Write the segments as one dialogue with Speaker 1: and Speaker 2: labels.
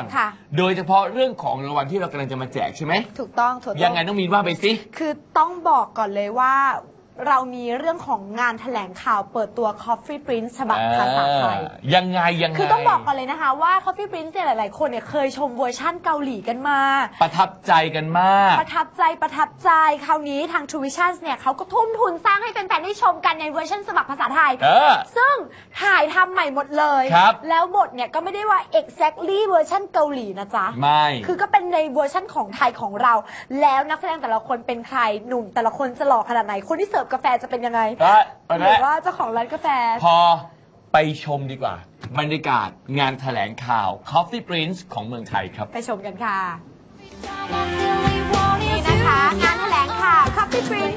Speaker 1: โดยเฉพาะเรื่องของรางวัลที่เรากำลังจะมาแจกใช่ไหม
Speaker 2: ถูกต้อง
Speaker 1: ยังไงน้องมีนว่าไปสิ
Speaker 2: คือต้องบอกก่อนเลยว่าเรามีเรื่องของงานแถลงข่าวเปิดตัว Coffee Prince ฉบับภาษาไทย
Speaker 1: ยังไง
Speaker 2: คือต้องบอกก่อนเลยนะคะว่า Coffee Prince เนี่ยหลายๆคนเนี่ยเคยชมเวอร์ชั่นเกาหลีกันมา
Speaker 1: ประทับใจกันมาก
Speaker 2: ประทับใจคราวนี้ทาง True Vision เนี่ยเขาก็ทุ่มทุนสร้างให้แฟนๆได้ชมกันในเวอร์ชันฉบับภาษาไทยซึ่งถ่ายทำใหม่หมดเลยแล้วบทเนี่ยก็ไม่ได้ว่า exactly เวอร์ชันเกาหลีนะจ๊ะ
Speaker 1: ไม่
Speaker 2: คือก็เป็นในเวอร์ชันของไทยของเราแล้วนักแสดงแต่ละคนเป็นใครหนุ่มแต่ละคนจะหล่อขนาดไหนคนที่เสิร์ฟกาแฟจะเป็นยังไงหรือว่าเจ้าของร้านกาแฟ
Speaker 1: พอไปชมดีกว่าบรรยากาศงานแถลงข่าว Coffee Prince ของเมืองไทยครับ
Speaker 2: ไปชมกันค่ะนี่นะคะงานแถลงข่าว Coffee Prince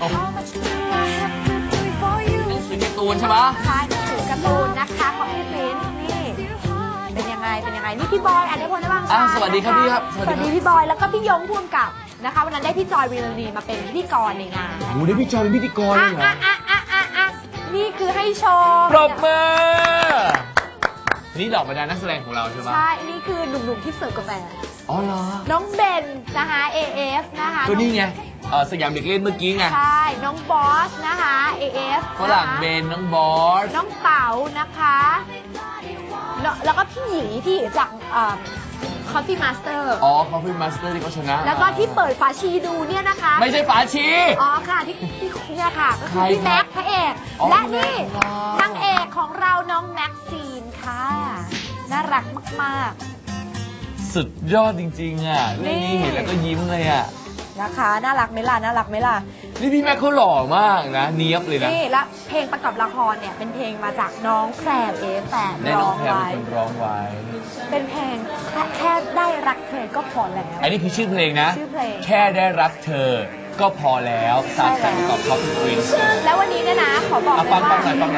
Speaker 1: หนังสือการ์ตูนใช่ปะ
Speaker 2: ใช่หนังสือการ์ตูนนะคะ Coffee Prince นี่เป็นยังไงนี่พี่บอยอันนี้คนได้บ้างคะ
Speaker 1: สวัสดีครับพี่ครับ
Speaker 2: สวัสดีพี่บอยแล้วก็พี่ยงพ่วงกับนะคะวันนั้นได้พี่จอยวีรณีมาเป็นพิธีกรในงาน
Speaker 1: โอ้ได้พี่จอยเป็นพิธีกรเลยเหรอ
Speaker 2: นี่คือให้ชม
Speaker 1: ปรบมือนี่ดอกบรรดานักแสดงของเราใช่ไหม
Speaker 2: ใช่นี่คือหนุ่มๆที่เสิร์ฟกาแฟ
Speaker 1: อ๋อเหรอ
Speaker 2: น้องเบนนะคะ AF นะคะ
Speaker 1: ก็นี่ไงสยามเด็กเล่นเมื่อกี้ไง
Speaker 2: ใช่น้องบอสนะคะ AF
Speaker 1: ฝรั่งเบนน้องบอส
Speaker 2: น้องเต๋านะคะแล้วก็พี่หยีจากCoffee Master
Speaker 1: อ๋อ Coffee Master ที่เขาชนะ
Speaker 2: แล้วก็ที่เปิดฝาชีดูเนี่ยนะคะ
Speaker 1: ไม่ใช่ฝาชี
Speaker 2: อ๋อค่ะที่เนี่ยค่ะก็คือพี่แม็กพระเอกและนี่นางเอกของเราน้องแม็กซีนค่ะน่ารักมาก
Speaker 1: ๆสุดยอดจริงๆอ่ะเรื่องนี้เห็นแล้วก็ยิ้มเลยอ่ะ
Speaker 2: นะคะน่ารักไหมล่ะ
Speaker 1: นี่พี่แม็กเขาหล่อมากนะเนียบเลยนะ
Speaker 2: นี่และเพลงประกอบละครเนี่ยเป็นเพลงมาจากน้องแพรแต่ร้องไว้เป็นเพลงแค่ได้รักเธอก็พอแล้ว
Speaker 1: อันนี้คือชื่อเพลงนะ
Speaker 2: ชื่อเพลง
Speaker 1: แค่ได้รักเธอก็พอแล้วสาดแต่งกับ Coffee Prince
Speaker 2: แล้ววันนี้เนี่ยนะขอบอกเลยว่า
Speaker 1: ฟังหน่อยแล้ว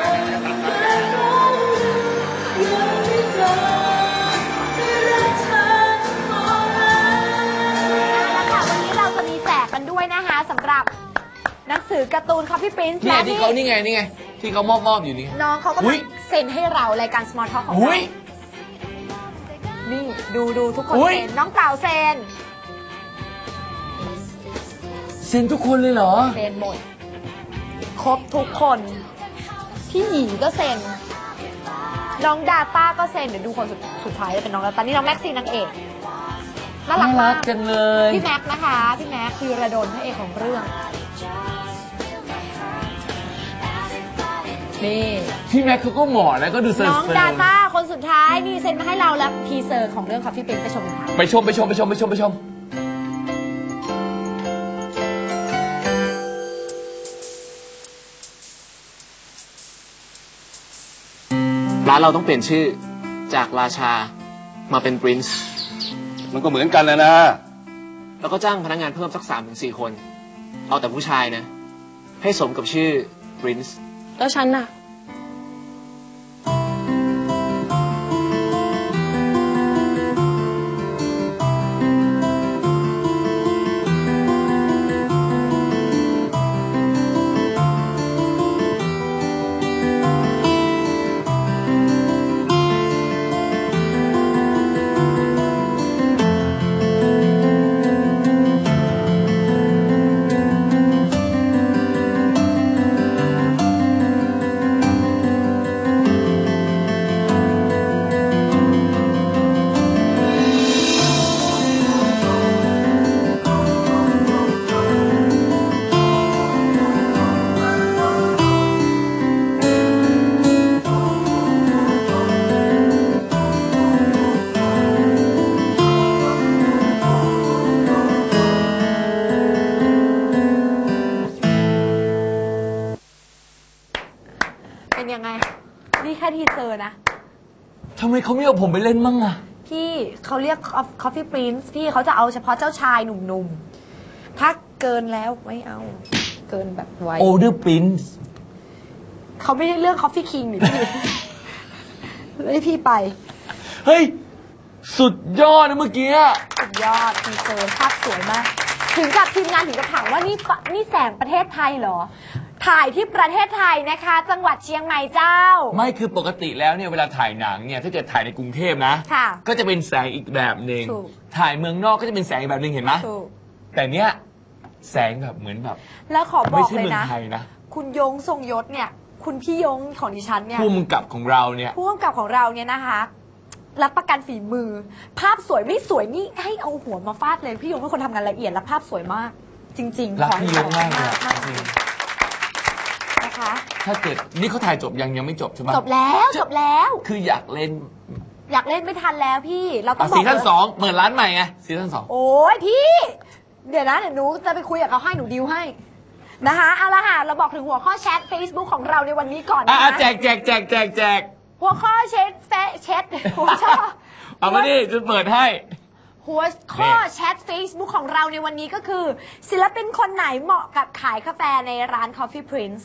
Speaker 2: ค่ะวันนี้เราจะมีแจกกันด้วยนะคะสำหรับหนังสือการ์ตูน Coffee Prince
Speaker 1: นี่ที่เขานี่ไงที่เขามอบอยู่นี่
Speaker 2: น้องเขาก็เซ็นให้เรารายการ Small Talk ของเรานี่ดูทุกคนเซ็นน้องเต่าเซ็น
Speaker 1: ทุกคนเลยเหรอ
Speaker 2: เซ็นหมดครบทุกคนพี่หยีก็เซ็นน้องดาต้าก็เซ็นเดี๋ยวดูคนสุดท้ายจะเป็นน้องดาต้านี่น้องแม็กซี่นางเอกน่ารักมาก
Speaker 1: จังเลย
Speaker 2: พี่แม็กนะคะพี่แม็กคือระดมพระเอกของเรื่องนี่
Speaker 1: พี่แม็กเขาก็เหมาะแล้วก็ดูเซอร์
Speaker 2: น้องดาต้าคนสุดท้ายนี่เซ็นมาให้เราแล้วทีเซอร์ของเรื่อง Coffee Prince ไปชมค่ะ
Speaker 1: ไปชม
Speaker 3: ร้านเราต้องเปลี่ยนชื่อจากราชามาเป็น Prince
Speaker 4: มันก็เหมือนกันนะ
Speaker 3: แล้วก็จ้างพนักงานเพิ่มสัก 3-4 คนเอาแต่ผู้ชายนะให้สมกับชื่อ Prince
Speaker 2: แล้วฉันน่ะเป็นยังไงนี่แค่ทีเซอร์นะ
Speaker 1: ทำไมเขาไม่เอาผมไปเล่นมั่งอะ
Speaker 2: พี่เขาเรียก Coffee Prince พี่เขาจะเอาเฉพาะเจ้าชายหนุ่มๆถ้าเกินแล้วไม่เอาเกินแบบไว้
Speaker 1: Older Prince
Speaker 2: เขาไม่ได้เรื่อง Coffee King หรือพี่ให้พี่ไป
Speaker 1: เฮ้ยสุดยอดนะเมื่อกี้
Speaker 2: สุดยอดทีเซอร์ภาพสวยมากถึงกับทีมงานถึงกับถามว่านี่แสงประเทศไทยเหรอถ่ายที่ประเทศไทยนะคะ จังหวัดเชียงใหม่เจ้า
Speaker 1: ไม่คือปกติแล้วเนี่ยเวลาถ่ายหนังเนี่ยถ้าเกิดถ่ายในกรุงเทพนะ
Speaker 2: ค่ะ
Speaker 1: ก็จะเป็นแสงอีกแบบหนึ่ง
Speaker 2: ถูก
Speaker 1: ถ่ายเมืองนอกก็จะเป็นแสงอีกแบบหนึ่งเห็นไหม
Speaker 2: ถูก
Speaker 1: แต่เนี้ยแสงแบบเหมือนแบบ
Speaker 2: แล้วขอบอก
Speaker 1: ไม่ใช่
Speaker 2: เลย
Speaker 1: เมือง
Speaker 2: นะ
Speaker 1: ไทยนะ
Speaker 2: คุณยงทรงยศเนี่ย คุณพี่ยงของดิฉันเนี่ย
Speaker 1: ผู้กำกับของเราเนี่ย
Speaker 2: ผู้กำกับของเราเนี่ยนะคะ รับประกันฝีมือ ภาพสวยไม่สวยนี่ให้เอาหัวมาฟาดเลยพี่ยงเป็นคนทำงานละเอียดและภาพสวยมาก จริงๆ
Speaker 1: รัก
Speaker 2: ขอให้
Speaker 1: พี่ยงมากเลยอะ
Speaker 2: มากนะคะ
Speaker 1: ถ้าเกิดนี่เขาถ่ายจบยังไม่จบใช่ไหม
Speaker 2: จบแล้วจบแล้ว
Speaker 1: คืออยากเล่น
Speaker 2: อยากเล่นไม่ทันแล้วพี่เราต้องบอก
Speaker 1: ซีซั่น
Speaker 2: เลย
Speaker 1: 2เปิดร้านใหม่ไงซีซั่น2
Speaker 2: โอ้ยพี่ เดี๋ยวนะเดี๋ยวหนูจะไปคุยกับเขาให้หนูดิวให้นะคะเอาละค่ะเราบอกถึงหัวข้อแชท Facebook ของเราในวันนี้ก่อนนะคะ
Speaker 1: แจก
Speaker 2: หัวข้อแชทหัวข้อ
Speaker 1: เอามาดิจะเปิดให้
Speaker 2: หัวข้อแชท Facebook ของเราในวันนี้ก็คือ ศิลปินคนไหนเหมาะกับขายกาแฟในร้าน Coffee Prince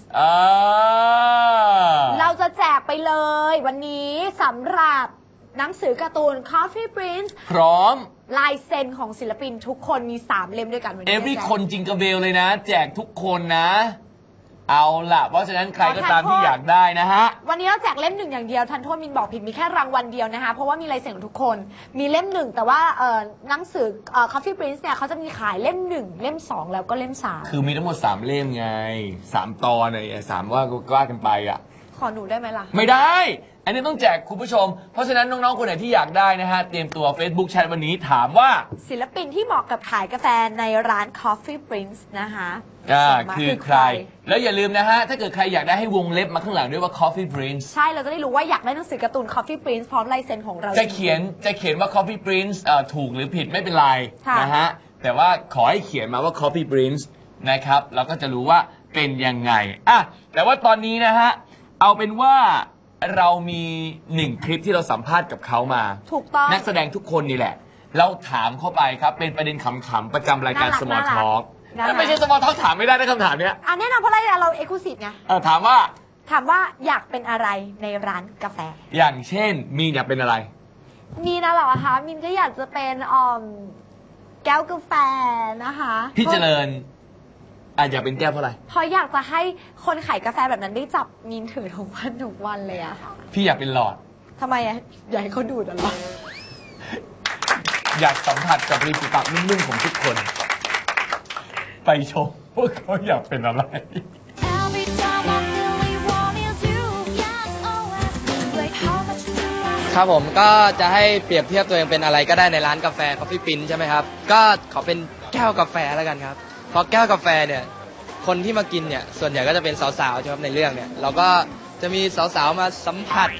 Speaker 2: เราจะแจกไปเลยวันนี้สำหรับหนังสือการ์ตูน Coffee Prince
Speaker 1: พร้อม
Speaker 2: ลายเซ็นของศิลปินทุกคนมี3เล่มด้วยกันวันนี้
Speaker 1: every คนจิงกระเบลเลยนะ แจกทุกคนนะ เอาล่ะ เพราะฉะนั้นใครก็ตามที่อยากได้นะฮะ
Speaker 2: วันนี้เราแจกเล่มหนึ่งอย่างเดียวทันโทษมินบอกผิดมีแค่รางวัลเดียวนะคะเพราะว่ามีลายเซ็นของทุกคนมีเล่มหนึ่งแต่ว่าหนังสือCoffee Prince เนี่ยเขาจะมีขายเล่ม1เล่ม2แล้วก็เล่ม3
Speaker 1: คือมีทั้งหมด3เล่มไง3ตอนไอ้3ว่ากันไปอ่ะ
Speaker 2: ขอหนูได้ไหมล่ะ
Speaker 1: ไม่ได้ อันนี้ต้องแจกคุณผู้ชม เพราะฉะนั้นน้องๆ คนไหนที่อยากได้นะฮะ เตรียมตัว Facebook แชทวันนี้ถามว่า
Speaker 2: ศิลปินที่เหมาะกับขายกาแฟในร้าน Coffee Prince นะคะ
Speaker 1: คือใคร แล้วอย่าลืมนะฮะ ถ้าเกิดใครอยากได้ให้วงเล็บมาข้างหลังด้วยว่า Coffee Prince
Speaker 2: ใช่เราจะได้รู้ว่าอยากได้หนังสือการ์ตูน Coffee Prince พร้อมลายเซ็นของเรา
Speaker 1: จะเขียนว่า Coffee Prince ถูกหรือผิดไม่เป็นไร
Speaker 2: ค่ะ
Speaker 1: นะฮะ แต่ว่าขอให้เขียนมาว่า Coffee Prince นะครับ เราก็จะรู้ว่าเป็นยังไงอ่ะแต่ว่าตอนนี้นะฮะ เอาเป็นว่าเรามี1คลิปที่เราสัมภาษณ์กับเขามา
Speaker 2: ถูกต้อง
Speaker 1: นักแสดงทุกคนนี่แหละ เราถามเข้าไปครับ เป็นประเด็นขำๆประจำรายการ Small Talk ไม่ใช่ Small Talk ถามไม่ได้นะคำถามเนี้ย
Speaker 2: แน่นอนเพราะเราเอ็กซ์คลูซีฟไง
Speaker 1: ถามว่า
Speaker 2: อยากเป็นอะไรในร้านกาแฟ
Speaker 1: อย่างเช่นมีนอยากเป็นอะไร
Speaker 2: มีนะเหรอคะมินก็อยากจะเป็นแก้วกาแฟนะคะ
Speaker 1: พี่เจริญอยากเป็นแก้วเพราะอะไร
Speaker 2: เพราะอยากจะให้คนขายกาแฟแบบนั้นได้จับมินถือทุกวันเลยอะค่ะ
Speaker 1: พี่อยากเป็นหลอด
Speaker 2: ทำไมอะอยากให้เขาดูดอะไร
Speaker 1: อยากสัมผัสกับริมฝีปากนุ่มๆของทุกคน ไปชมว่าเขาอยากเป็นอะไร
Speaker 5: ครับผมก็จะให้เปรียบเทียบตัวเองเป็นอะไรก็ได้ในร้านกาแฟ Coffee Prince ใช่ไหมครับก็ขอเป็นแก้วกาแฟแล้วกันครับเพราะแก้วกาแฟเนี่ยคนที่มากินเนี่ยส่วนใหญ่ก็จะเป็นสาวๆใช่ไหมครับในเรื่องเนี่ยเราก็จะมีสาวๆมาสัมผัส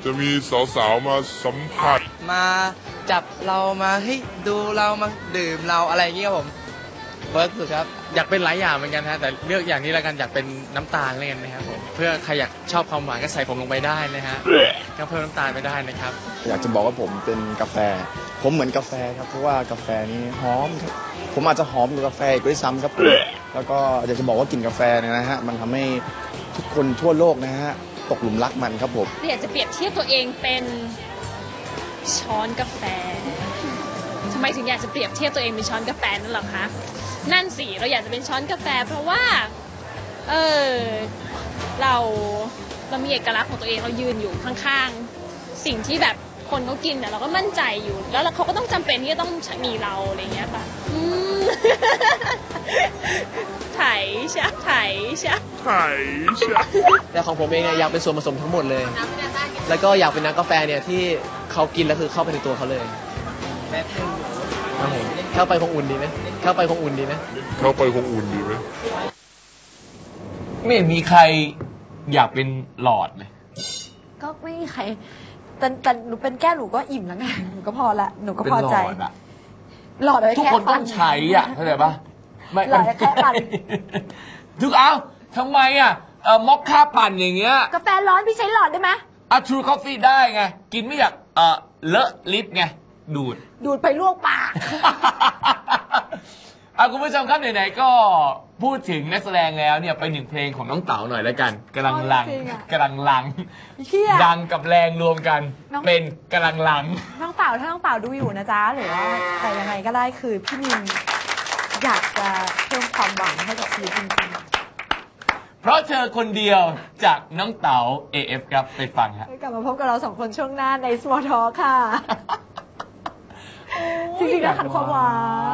Speaker 5: มาจับเรามาให้ดูเรามาดื่มเราอะไรอย่างเงี้ยครับผมเบิร์กสุดครับ
Speaker 6: อยากเป็นหลายอย่างเหมือนกันฮะแต่เลือกอย่างนี้แล้วกันอยากเป็นน้ำตาลเลยนะครับผมเพื่อใครอยากชอบความหวานก็ใส่ผมลงไปได้นะฮะก็เพิ่มน้ำตาลไปได้นะครับ
Speaker 7: อยากจะบอกว่าผมเป็นกาแฟ ผมเหมือนกาแฟครับเพราะว่ากาแฟนี้หอมครับผมอาจจะหอมกว่ากาแฟอีกด้วยซ้ำครับแล้วก็อยากจะบอกว่ากลิ่นกาแฟเนี่ยนะฮะมันทำให้ทุกคนทั่วโลกนะฮะตกหลุมรักมันครับผม
Speaker 8: อยากจะเปรียบเทียบตัวเองเป็นช้อนกาแฟทำไมถึงอยากจะเปรียบเทียบตัวเองเป็นช้อนกาแฟนั่นหรอคะนั่นสิเราอยากจะเป็นช้อนกาแฟเพราะว่าเรามีเอกลักษณ์ของตัวเองเรายืนอยู่ข้างๆสิ่งที่แบบคนเขากินเนี่ยเราก็มั่นใจอยู่แล้วเขาก็ต้องจำเป็นที่จะต้องมีเราอะไรเงี้ยค่ะไถชะ
Speaker 3: แต่ของผมเองเนี่ยอยากเป็นส่วนผสมทั้งหมดเลย แล้วก็อยากเป็นน้ำกาแฟเนี่ยที่เขากินแล้วคือเข้าไปในตัวเขาเลยครับผมเข้าไปคงอุ่นดีไหม
Speaker 1: ไม่เห็นมีใครอยากเป็นหลอดเลย
Speaker 2: ก็ไม่มีใครแต่หนูเป็นแก้วหนูก็อิ่มแล้วไงหนูก็พอละหนูก็พอใจ
Speaker 1: เป็นหลอดอะ
Speaker 2: หลอดเลย
Speaker 1: ทุก
Speaker 2: แค่
Speaker 1: คนต้องใช้เข้าใจปะไม่
Speaker 2: หลอดแค่ปั่น
Speaker 1: ทำไมมอคค่าปั่นอย่างเงี้ย
Speaker 2: กาแฟร้อนพี่ใช้หลอดได้ไหม
Speaker 1: True Coffee ได้ไงกินไม่อยากเลอะลิปไงดูด
Speaker 2: ไปลวกปาก
Speaker 1: คุณผู้ชมครับไหนๆก็พูดถึงนักแสดงแล้วเนี่ยไปหนึ่งเพลงของน้องเต๋าหน่อยแล้วกันกำลังลังดังกับแรงรวมกันเป็นกำลังลัง
Speaker 2: น้องเต๋าถ้าน้องเต๋าดูอยู่นะจ๊ะหรือว่าแต่ยังไงก็ได้คือพี่มินอยากจะเพิ่มความหวังให้กับชีวิตจริงๆ
Speaker 1: เพราะเธอคนเดียวจากน้องเต๋า AF ครับไปฟังฮะ
Speaker 2: กลับมาพบกับเราสองคนช่วงหน้าใน Small Talk ค่ะ จริงๆแล้วขัดความหวาน